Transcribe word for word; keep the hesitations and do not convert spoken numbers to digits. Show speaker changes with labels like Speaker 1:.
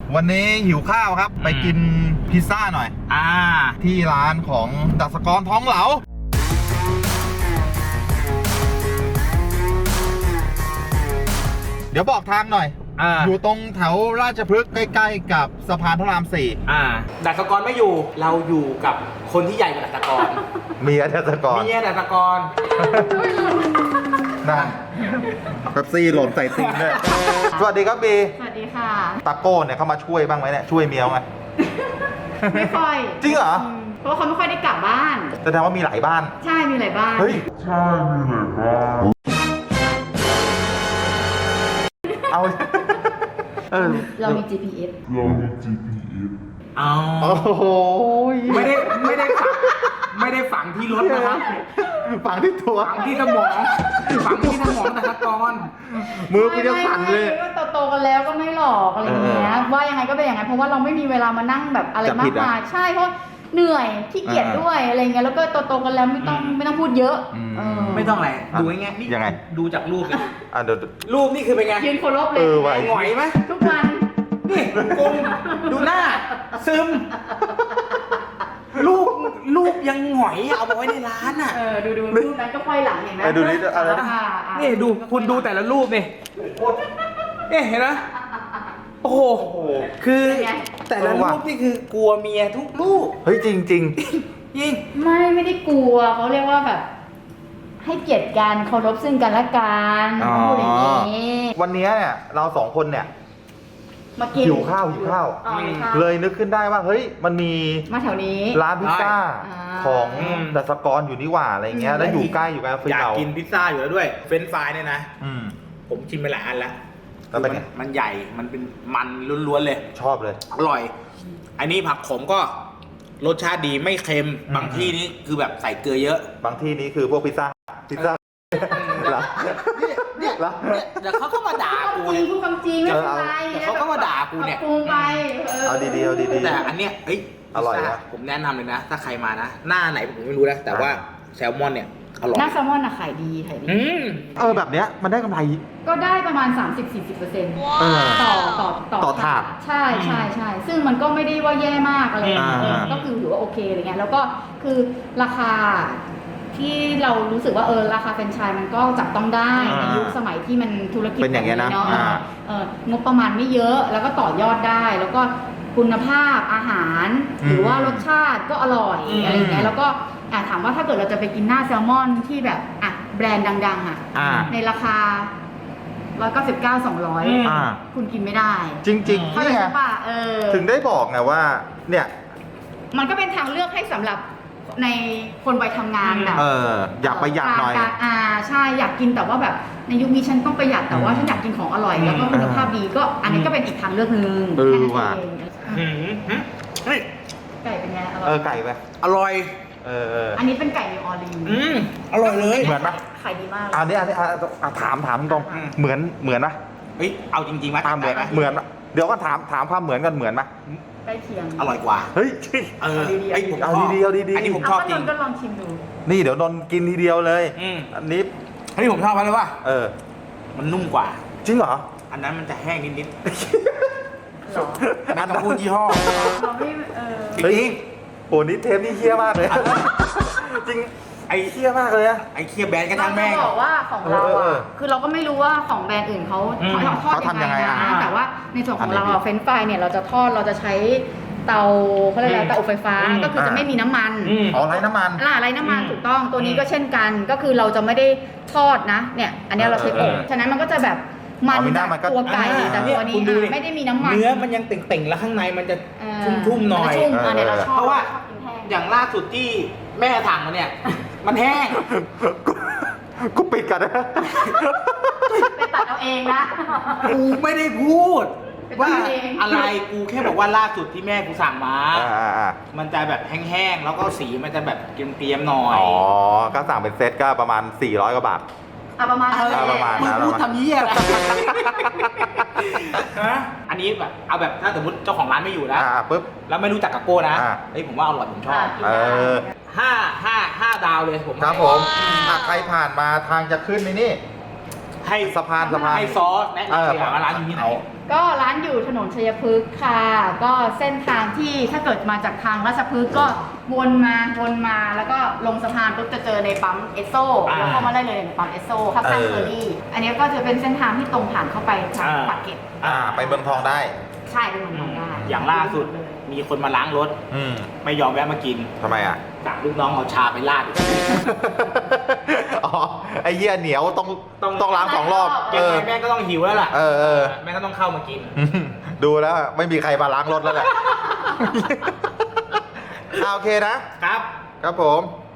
Speaker 1: วันนี้หิวข้าวครับไปกินพิซซ่าหน่อยอ่าที่ร้านของดัชกรท้องเหลาเดี๋ยวบอกทางหน่อย อ, อยู่ตรงแถวราชพฤกษ์ใกล้ๆกับสะพานพระรามสี่
Speaker 2: อ่าดัชกรไม่อยู่เราอยู่กับคนที่ใหญ่กว่าดัชกร
Speaker 1: เมียดัชกร
Speaker 2: เมียดัชกร
Speaker 1: นั่นเป๊ปซี่หล่นใส่ตีนด้วยสวัสดีครับบี
Speaker 3: สวัสดีค่ะ
Speaker 1: ตาโก้เนี่ยเขามาช่วยบ้างไหมเนี่ยช่วยเมียไหม
Speaker 3: ไม่ค่อย
Speaker 1: จริงเหรอ
Speaker 3: เพราะว่าเขาไม่ค่อยได้กลับบ้าน
Speaker 1: แสดงว่ามีหลายบ้าน
Speaker 3: ใช่มีหลายบ้าน
Speaker 1: เฮ้ยใช่มีหลายบ้านเอา
Speaker 3: เออเรามี จี พี เอส
Speaker 1: เรามี จี พี เอส
Speaker 2: อ๋อโอ้โหไม่ได้ไม่ได้ฝังไม่ได้ฝังที่รถนะครับ
Speaker 1: ฝังที่ตัว
Speaker 2: ฝังที่สมองฝังที่สมองดัชกร
Speaker 1: มือกูจะสั่นเลย
Speaker 3: ก็โตๆกันแล้วก็ไม่หลอกอะไรอย่างเงี้ยว่ายังไงก็เป็นอย่างนั้นเพราะว่าเราไม่มีเวลามานั่งแบบอะไรมากมายใช่เพราะเหนื่อยขี้เกียจด้วยอะไรเงี้ยแล้วก็โตๆกันแล้วไม่ต้องไม่ต้องพูดเยอะ
Speaker 2: ไม่ต้องอะไรดูง่ายๆนี่
Speaker 1: ยังไง
Speaker 2: ดูจากรูปเลย
Speaker 1: อ่ะเดี๋ยว
Speaker 2: รูปนี่คือเป็นไง
Speaker 3: ยืนเคารพเลย
Speaker 2: หงอยไหม
Speaker 3: ทุกวัน
Speaker 2: นี่กลมดูหน้าซึมลูกลูกยังหงอยเอามาไว้ในร้านอ่ะ
Speaker 3: เออดูดูรูปนั้นก็ค่อยหลังเห็นไหม
Speaker 1: ดูนี่อะไร
Speaker 2: นี่ดูคุณดูแต่ละรูปนี่นี่เห็นไหมโอ้โหคือแต่ละรูปนี่คือกลัวเมียทุกรูป
Speaker 1: เฮ้ยจริงจริง
Speaker 2: จริง
Speaker 3: ไม่ไม่ได้กลัวเขาเรียกว่าแบบให้เกียรติกันเคารพซึ่งกันและกันพูดอย่างนี้
Speaker 1: วันนี้เนี่ยเราสองคนเนี่ย
Speaker 3: มากิน
Speaker 1: หิวข้าวหิวข้าวเลยนึกขึ้นได้ว่าเฮ้ยมันมี
Speaker 3: มาแถวนี้
Speaker 1: ร้านพิซซ่าของดัชกรอยู่นี่หว่าอะไรเงี้ยแล้วอยู่ใกล้อยู่ใกล้
Speaker 2: อยากกินพิซซ่าอยู่แล้วด้วยเฟรนช์ฟรายเนี่ยนะผมชิมไปหลายอันแล้ว
Speaker 1: แล้วเป็นไง
Speaker 2: มันใหญ่มันเป็นมันล้วนๆเลย
Speaker 1: ชอบเลย
Speaker 2: อร่อยอันนี้ผักขมก็รสชาติดีไม่เค็มบางที่นี้คือแบบใส่เกลือเยอะ
Speaker 1: บางที่นี้คือพวกพิซซ่าพิซซ่าแล้ว
Speaker 2: เนี่ยเดี๋ยวเขาก็มาด่ากู
Speaker 3: จริงพูดความจริงไม่เป็นไร
Speaker 2: เดี๋ยวเขาก็มาด่ากูเนี่ย
Speaker 3: ปรุงไป
Speaker 1: เอาดีๆเอาดีๆ
Speaker 2: แต่อันเนี้ยเอ้ย
Speaker 1: อร่อยนะ
Speaker 2: ผมแนะนำเลยนะถ้าใครมานะหน้าไหนผมไม่รู้นะแต่ว่าแซลมอนเนี่ยอร่อย
Speaker 3: หน้าแซลมอนอะขายดีขายดี
Speaker 1: เออแบบเนี้ยมันได้กำไร
Speaker 3: ก็ได้ประมาณ สามสิบถึงสี่สิบเปอร์เซ็นต์ ต่อต่อ
Speaker 1: ต่อถาด
Speaker 3: ใช่ใช่ใช่ซึ่งมันก็ไม่ได้ว่าแย่มากอะไรก็คือถือว่าโอเคอะไรเงี้ยแล้วก็คือราคาที่เรารู้สึกว่าเออราคาแฟรนไชส์มันก็จับต้องได้ในยุคสมัยที่มันธุรกิจ
Speaker 1: เป็นอย่างเงี้ยนะ
Speaker 3: งบประมาณไม่เยอะแล้วก็ต่อยอดได้แล้วก็คุณภาพอาหารหรือว่ารสชาติก็อร่อยอะไรเงี้ยแล้วก็ถามว่าถ้าเกิดเราจะไปกินหน้าแซลมอนที่แบบอ่ะแบรนด์ดังๆอ่ะในราคาหนึ่งร้อยเก้าสิบเก้า สองร้อยคุณกินไม่ได้
Speaker 1: จริงๆนี่ไงถึงได้บอกไงว่าเนี่ย
Speaker 3: มันก็เป็นทางเลือกให้สำหรับในคนวัยทำงานแบบ
Speaker 1: เอออยากประหยัดหน่อย
Speaker 3: อ่าใช่อยากกินแต่ว่าแบบในยุคนี้ฉันต้องประหยัดแต่ว่าฉันอยากกินของอร่อยแล้วก็คุณภาพดีก็อันนี้ก็เป็นอีกทางเลือกหนึ่ง
Speaker 1: เออว่ะ
Speaker 3: ไก่เป็นไงอร่อย
Speaker 1: เออไก่ไป
Speaker 2: อร่อย
Speaker 1: เออ
Speaker 3: อันนี้เป็นไก่นิวออร์ลีน
Speaker 2: อืมอร่อยเลย
Speaker 1: เหมือนปะ
Speaker 3: ขายดีมาก
Speaker 1: อันนี้อันนี้ถามถามตรงเหมือนเหมือนปะ
Speaker 2: เฮ้ยเอาจริงๆไหม
Speaker 1: เหมือนเหมือนเดี๋ยวก็ถามถามความเหมือนกันเหมือนปะ
Speaker 3: ใกล้เคียง
Speaker 2: อร่อยกว่า
Speaker 1: เฮ้ย
Speaker 2: เออไอ้ผม
Speaker 1: เอาดีๆเอาดีๆ
Speaker 2: อันนี้ผมชอบจริง
Speaker 3: ก็ลองชิมดู
Speaker 1: นี่เดี๋ยวนนกินทีเดียวเลยอันนี้
Speaker 2: อันนี้ผมชอบเพราะว่า
Speaker 1: เออ
Speaker 2: มันนุ่มกว่า
Speaker 1: จริงเหรอ
Speaker 2: อันนั้นมันจะแห้งนิดๆไม่ต้องพูดยี่ห้อจริง
Speaker 1: โอ้นี่เทปนี่เคี้ยมากเลยจริงไอ้เคี้ยมากเลยอะ
Speaker 2: ไอ้เคี้ยแบรนด์กระทั่งแม่ง
Speaker 3: บอกว่าของเราอะคือเราก็ไม่รู้ว่าของแบรนด์อื่นเขา
Speaker 1: เขาทอดยังไงนะ
Speaker 3: แต่ว่าในส่วนของเราเฟรนช์ฟรายเนี่ยเราจะทอดเราจะใช้เตาเขาเรียกอะไรเตาอบไฟฟ้าก็คือจะไม่มีน้ำมัน
Speaker 1: อ๋อไร้น้ำมัน
Speaker 3: ล่าไร้น้ำมันถูกต้องตัวนี้ก็เช่นกันก็คือเราจะไม่ได้ทอดนะเนี่ยอันนี้เราใช้อบฉะนั้นมันก็จะแบบมันตัวไก่แต่ตัวนี้ไม่ได้มีน้ำมัน
Speaker 2: เนื้อมันยังเต่งๆแล้วข้างในมันจะชุ่มๆหน่อยเพราะว่าอย่างล่าสุดที่แม่ถังมาเนี่ยมันแห้ง
Speaker 1: กูปิดกันนะ
Speaker 3: ไปตัดเอาเองนะ
Speaker 2: กูไม่ได้พูดว่าอะไรกูแค่บอกว่าล่าสุดที่แม่กูสั่งมามันจะแบบแห้งๆแล้วก็สีมันจะแบบเกรียมๆหน่อย
Speaker 1: อ๋อก็สั่งเป็นเซตก็ประมาณสี่ร้อยกว่าบาท
Speaker 3: อ่ะประมาณ
Speaker 1: ประมาณ
Speaker 2: นะมึงพูดทำเยี่ยอะไรอันนี้แบบเอาแบบถ้าสมมติเจ้าของร้านไม่อยู่นะ
Speaker 1: ปุ๊บ
Speaker 2: แล้วไม่รู้จักกับโก้นะเฮ้ยผมว่าอร่อยผมชอบ
Speaker 1: เออ
Speaker 2: ห้าห้าห้าดาวเลยผม
Speaker 1: ครับผมถ้าใครผ่านมาทางจะขึ้นในนี่ให้สะพานสะพาน
Speaker 2: ให้ซอสแนะนำร้านนี้ไหน
Speaker 3: ก็ร้านอยู่ถนนชัยพฤกษ์ค่ะ ก็เส้นทางที่ถ้าเกิดมาจากทางราชพฤกษ์ก็วนมาวนมาแล้วก็ลงสะพานปุ๊บจะเจอในปั๊มเอสโซ
Speaker 2: อ่า
Speaker 3: แล้วเข้ามาได้เลยในปั๊มเอสโซข้างๆเคอรี่อันนี้ก็จะเป็นเส้นทางที่ตรงผ่านเข้าไปทาง
Speaker 2: อ่า
Speaker 3: ปากเกร็ด
Speaker 1: อ่า ไปเมืองทองได้
Speaker 3: ใช่เป็นเมืองทองได้
Speaker 2: อย่างล่าสุดมีคนมาล้างรถ
Speaker 1: อืม
Speaker 2: ไม่ยอมแวะมากิน
Speaker 1: ทำไมอ่ะ
Speaker 2: สั่งลูกน้องเอาชาไปราด
Speaker 1: อ๋อ ไอ้เหี้ยเหนียวต้องต้องต้องล้างสองรอบ
Speaker 2: เก็
Speaker 1: เอบ อ
Speaker 2: ไว้แม่ก็ต้องหิวแล้วล่ะ
Speaker 1: เออเออ
Speaker 2: แม่ก็ต้องเข้ามากิน
Speaker 1: ดูแล้วไม่มีใครมาล้างรถแล้วแหละ อ่าโอเคนะ
Speaker 2: ครับ
Speaker 1: ครับผม